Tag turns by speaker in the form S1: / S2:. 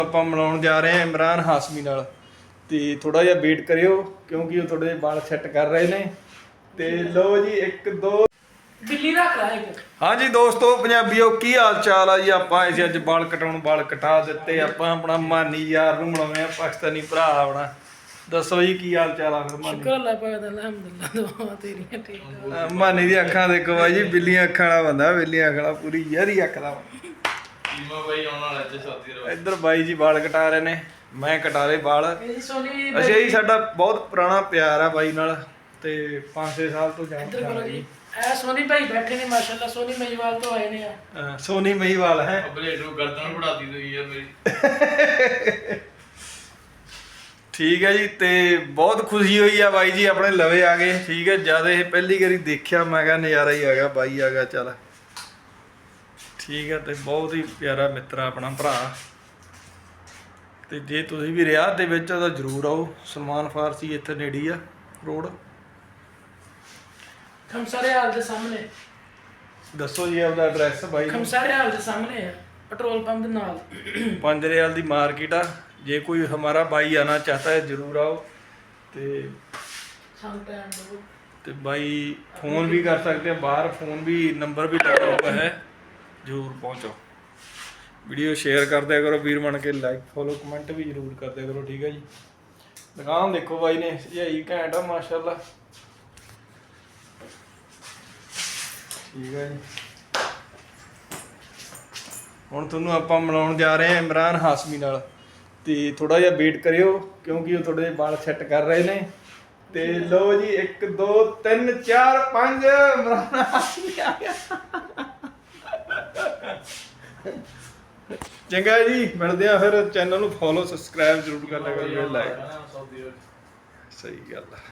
S1: ਆਪਾਂ ਮਿਲਾਉਣ ਜਾ ਰਹੇ ਹਾਂ ਇਮਰਾਨ ਹਾਸ਼ਮੀ ਨਾਲ ਤੇ ਥੋੜਾ ਜਿਹਾ ਵੇਟ ਕਰਿਓ ਕਿਉਂਕਿ ਉਹ ਥੋੜੇ ਵਾਲ ਸੈੱਟ ਕਰ ਰਹੇ ਨੇ ਤੇ ਲਓ ਜੀ 1 2
S2: ਬਿੱਲੀ ਰੱਖ ਲਾ ਇੱਕ।
S1: ਹਾਂਜੀ ਦੋਸਤੋ ਪੰਜਾਬੀਓ ਕੀ ਹਾਲ ਚਾਲ ਆ ਜੀ। ਆਪਾਂ ਅਸੀਂ ਅੱਜ ਵਾਲ ਕਟਾ ਦਿੱਤੇ। ਆਪਾਂ ਆਪਣਾ ਮਾਨੀ ਯਾਰ ਨੂੰ ਮਿਲਾਉਣੇ ਆ, ਪਾਕਿਸਤਾਨੀ ਭਰਾ ਆਪਣਾ। ਦੱਸੋ ਜੀ ਕੀ ਹਾਲ ਚਾਲ ਆ ਫਿਰ ਮਾਨੀ?
S2: ਸ਼ੁਕਰ ਅੱਲਾਹ ਪਾਕ ਦਾ, ਅਲਹਮਦੁਲਿਲਾ, ਦੁਆ ਤੇਰੀਆਂ ਠੀਕ ਠਾਕ।
S1: ਮਾਨੀ ਦੀ ਅੱਖਾਂ ਦੇਖੋ ਬਾਈ ਜੀ, ਬਿੱਲੀਆਂ ਅੱਖਾਂ ਵਾਲਾ ਬੰਦਾ, ਬਿੱਲੀਆਂ ਅੱਖਾਂ ਵਾਲਾ ਪੂਰੀ ਯਾਰੀ ਅੱਖ ਦਾ। ਇੱਧਰ ਬਾਈ ਜੀ ਵਾਲ ਕਟਾ ਰਹੇ ਨੇ, ਮੈਂ ਕਟਾ ਲਏ ਵਾਲ। ਅੱਛਾ ਜੀ, ਸਾਡਾ ਬਹੁਤ ਪੁਰਾਣਾ ਪਿਆਰ ਆ ਬਾਈ ਨਾਲ ਤੇ 5-6 ਸਾਲ ਤੋਂ ਜਾਣਦੇ ਜੀ।
S2: ਇਹ ਸੋਨੀ ਭਾਈ ਬੈਠੇ ਨੇ ਮਾਸ਼ਾਅੱਲਾ, ਸੋਨੀ ਮਹੀਵਾਲ ਤੋਂ ਆਏ ਨੇ ਆ।
S1: ਸੋਨੀ ਮਹੀਵਾਲ ਹੈ
S3: ਬਲੇਡ ਨੂੰ ਗਰਦਨ ਵੜਾਤੀ ਤੁਸੀਂ ਯਾਰ ਮੇਰੀ।
S1: ਠੀਕ ਹੈ ਜੀ। ਤੇ ਬਹੁਤ ਖੁਸ਼ੀ ਹੋਈ ਆ ਬਾਈ ਜੀ ਆਪਣੇ ਲਵੇ ਆ ਗਏ। ਠੀਕ ਹੈ, ਜਦ ਇਹ ਪਹਿਲੀ ਵਾਰੀ ਦੇਖਿਆ ਮੈਂ ਕਿਹਾ ਨਜ਼ਾਰਾ ਹੀ ਆ ਗਿਆ, ਬਾਈ ਆ ਗਿਆ ਚੱਲ। ਠੀਕ ਹੈ, ਤੇ ਬਹੁਤ ਹੀ ਪਿਆਰਾ ਮਿੱਤਰ ਆਪਣਾ ਭਰਾ। ਤੇ ਜੇ ਤੁਸੀਂ ਵੀ ਰਿਆਦ ਦੇ ਵਿੱਚ ਤਾਂ ਜ਼ਰੂਰ ਆਓ। ਸਲਮਾਨ ਫਾਰਸੀ ਇੱਥੇ ਨੇੜੇ ਆ ਰੋਡ।
S2: ਖਮਸਾਰੇ ਹਾਲ ਦੇ ਸਾਹਮਣੇ।
S1: ਦੱਸੋ ਜੀ ਆਪਦਾ ਐਡਰੈਸ ਬਾਈ।
S2: ਖਮਸਾਰੇ ਹਾਲ ਦੇ ਸਾਹਮਣੇ ਹੈ, पेट्रोल पंप के नाल।
S1: 5 रियाल की मार्केट आ। जे कोई हमारा भाई आना चाहता है जरूर आओ। ते भाई फ़ोन भी कर सकते हैं बाहर, फ़ोन भी नंबर भी लगा हुआ है, जरूर पहुँचो। वीडियो शेयर कर दिया करो वीर बन के, लाइक फॉलो कमेंट भी जरूर कर दिया करो। ठीक है जी। दुकान देखो भाई ने यही घैंट आ माशाल्लाह। ठीक है जी। ਹੁਣ ਤੁਹਾਨੂੰ ਆਪਾਂ ਮਿਲਾਉਣ ਜਾ ਰਹੇ ਹਾਂ ਇਮਰਾਨ ਹਾਸ਼ਮੀ ਨਾਲ ਤੇ ਥੋੜਾ ਜਿਹਾ ਵੇਟ ਕਰਿਓ ਕਿਉਂਕਿ ਉਹ ਥੋੜੇ ਵਾਲ ਸੈੱਟ ਕਰ ਰਹੇ ਨੇ। ਤੇ ਲਓ ਜੀ 1 2 3 4 5 ਇਮਰਾਨ ਹਾਸ਼ਮੀ ਆ ਗਿਆ। ਚੰਗਾ ਜੀ, ਮਿਲਦੇ ਆ ਫਿਰ। ਚੈਨਲ ਨੂੰ ਫੋਲੋ ਸਬਸਕ੍ਰਾਈਬ ਜ਼ਰੂਰ ਕਰ ਲਿਆ ਕਰੋ, ਲਾਈਕ। ਸਹੀ ਗੱਲ ਆ।